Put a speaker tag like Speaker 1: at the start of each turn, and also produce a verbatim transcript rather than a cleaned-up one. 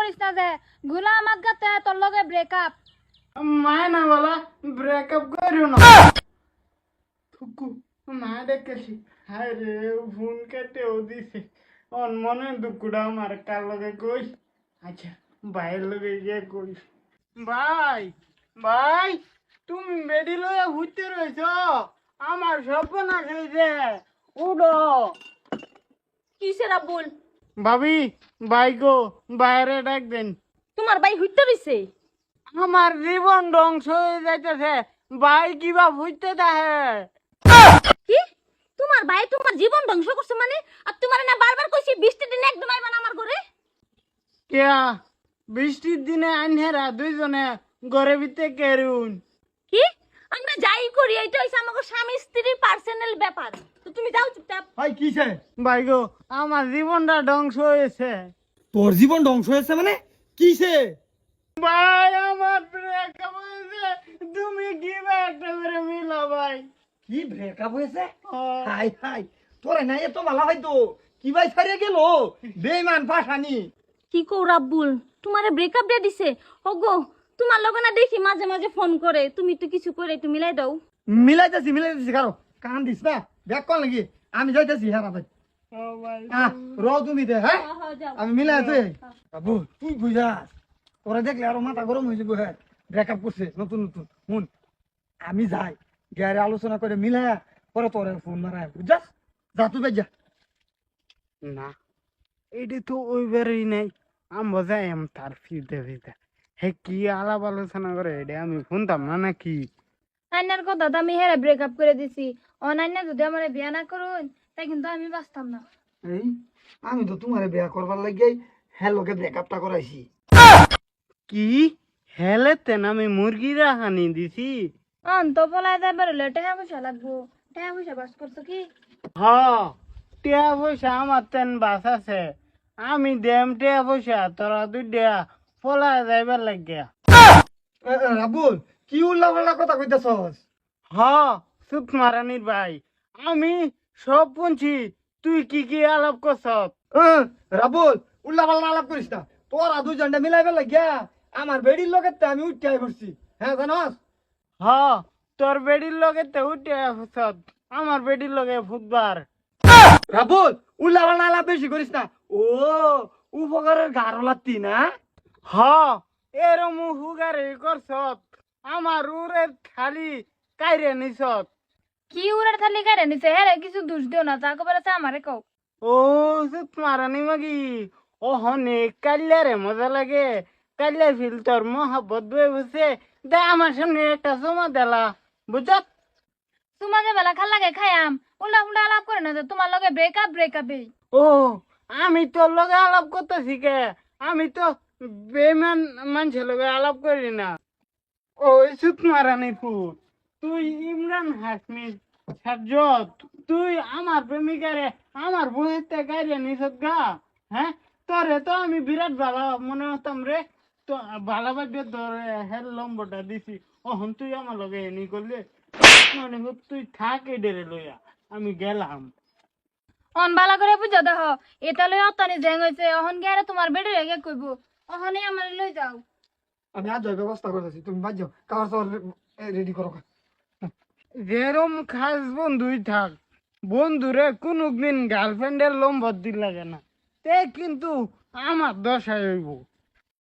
Speaker 1: করিস না যে গুলা আমার গাতে তোর লগে ব্রেকআপ
Speaker 2: মায় না বলা ব্রেকআপ করিও না থুকু মা ডেকেছি হায় রে ফোন কেটেও দিছে অন মনে দুকুড়া আমার কার লগে কই আচ্ছা ভাইয়ের লগে গিয়ে কই ভাই ভাই তুমি বেডি লয়ে ঘুরতে রয়েছ আমার স্বপ্ন হয়েছে উঠো
Speaker 1: কিসে রাবুল
Speaker 2: ভাবি ভাই গো বাইরে ডাক দেন
Speaker 1: তোমার ভাই হইতে রইছে
Speaker 2: আমার জীবন ধ্বংস হয়ে যাইতেছে ভাই কিবা হইতে থাকে
Speaker 1: কি তোমার ভাই তোমার জীবন ধ্বংস করছে মানে আর তোমার না বারবার কইছি বৃষ্টির দিনে একদম আইবা না আমার ঘরে
Speaker 2: কেয়া বৃষ্টির দিনে আনহেরা দুইজনে ঘরে ভিতরে কেরুন
Speaker 1: কি আমরা যাই করি এটা হইছে আমাদের স্বামী স্ত্রীর পার্সোনাল ব্যাপার তো তুমি যাও চুপচাপ
Speaker 3: ভাই কিসে
Speaker 2: ভাই গো আমার জীবনটা ধ্বংস হয়েছে
Speaker 3: তোর জীবন ধ্বংস হয়েছে মানে কিসে
Speaker 2: ভাই আমার ব্রেকআপ হয়েছে তুমি কি বা একটা করে মিলা ভাই
Speaker 3: কি ব্রেকআপ হয়েছে
Speaker 2: ও,
Speaker 3: হাই হাই তোরে না এত ভালো হয়তো কি ভাই ছাড়িয়ে গেল বেমান পাশানি
Speaker 1: কি কও রাব্বুল তোমারে ব্রেকআপ দিয়ে দিছে ওগো তোমার লগে না দেখি মাঝে মাঝে ফোন করে তুমি তো কিছু করে একটু মিলাই দাও
Speaker 3: মিলাইতেছি মিলাইতেছি কারো কান দিস না ব্যাক কর নাকি আমি যাইতেছি হ্যাঁ ভাই
Speaker 2: ও ভাই
Speaker 3: হ্যাঁ র তুমি দে হ্যাঁ
Speaker 1: যাও
Speaker 3: আমি মিলাই তুই বাবু তুই বুঝাস তোরা দেখলে আরো মাথা গরম হয়ে যাবো হ্যাঁ ব্রেকআপ করছে নতুন নতুন শুন আমি যাই গায়ে আলোচনা করে মিলাই পরে তোরে ফোন মারায় বুঝাস যা তুই বেজ যা
Speaker 2: না এটি তো ওইবারই নাই আমি যাই আম তার ফিরতে ফিরতে হে কি আলাপ আলোচনা করে এটা আমি শুনতাম না নাকি
Speaker 1: আইনার কথা তো আমি হেরে ব্রেকআপ করে দিছি অনাইনা যদি আমার বিয়া না করুন তাই কিন্তু আমি বাঁচতাম না
Speaker 3: এই আমি তো তোমারে বিয়া করবার লাগিয়ে হ্যাঁ লোকে ব্রেকআপটা করাইছি
Speaker 2: কি হেলেতে আমি মুরগিরা হানি দিছি
Speaker 1: অন তো পলাই যাবার হলে টাকা পয়সা লাগবো টাকা পয়সা বাস করছো কি
Speaker 2: হ টিয়া পয়সা আমার তেন বাস আছে আমি দেম টিয়া পয়সা তোরা দুই দেয়া পলা যাইবার লাগিয়া
Speaker 3: রাবুল কি উল্লা পাল্লা কথা কইতেছস
Speaker 2: হ সুত মারানির ভাই আমি সব শুনছি তুই কি কি আলাপ করছ
Speaker 3: রাবুল উল্লা পাল্লা আলাপ করিস না তোরা দুজনটা মিলাইবে লাগিয়া আমার বেড়ির লোকের তে আমি উঠতে আই পড়ছি হ্যাঁ জানস
Speaker 2: হ তোর বেডির লগে তে উঠে ফুসত আমার বেডির লগে ফুটবার
Speaker 3: রাবুল উল্লা পাল্লা আলাপ বেশি করিস না ও উপকারের গারো লাত্তি না
Speaker 2: হ এরম হুগারে করছত আমার উরে খালি কাইরে নিছত
Speaker 1: কি উড়ার থালি কারে নিছে হেরে কিছু দোষ দিও না যা কবার আছে আমারে কও
Speaker 2: ও সুত মারানি মাগি ও হনে কাল্লারে মজা লাগে কাল্লা ফিল তোর মহাব্বত বয়ে বসে দে আমার সামনে একটা জমা দেলা বুঝত
Speaker 1: তোমার যে বেলা খাল লাগে খাইয়াম উল্টা উল্টা আলাপ করে না যে তোমার লগে ব্রেকআপ ব্রেকআপে
Speaker 2: ও আমি তোর লগে আলাপ করতেছি কে আমি তো বেমান মানুষের লগে আলাপ করি না ওই সুত মারানি ফুট তুই ইমরান হাসমি সাজ্জত তুই আমার প্রেমিকারে আমার বইয়ের থেকে গাইরে নিছত গা হ্যাঁ তোরে তো আমি বিরাট ভালো মনে হতাম রে তো ভালোবাসবে ধরে হেল লম্বটা দিছি ওহন তুই আমার লগে এনি করলে মানে তুই থাক এডেরে লইয়া আমি গেলাম
Speaker 1: অন বালা করে বুঝা দেহ এটা লই অতানি জেং হইছে অহন গেরে তোমার বেড়ে রেগে কইব অহনে আমার লই যাও
Speaker 3: আমি আজ ব্যবস্থা করতেছি তুমি বাদ যাও কাগজ তো রেডি করো
Speaker 2: যেরম খাস বন্ধুই থাক বন্ধুরে কোনো দিন গার্লফ্রেন্ডের লম্বর দিল লাগে না তে কিন্তু আমার দশায় হইব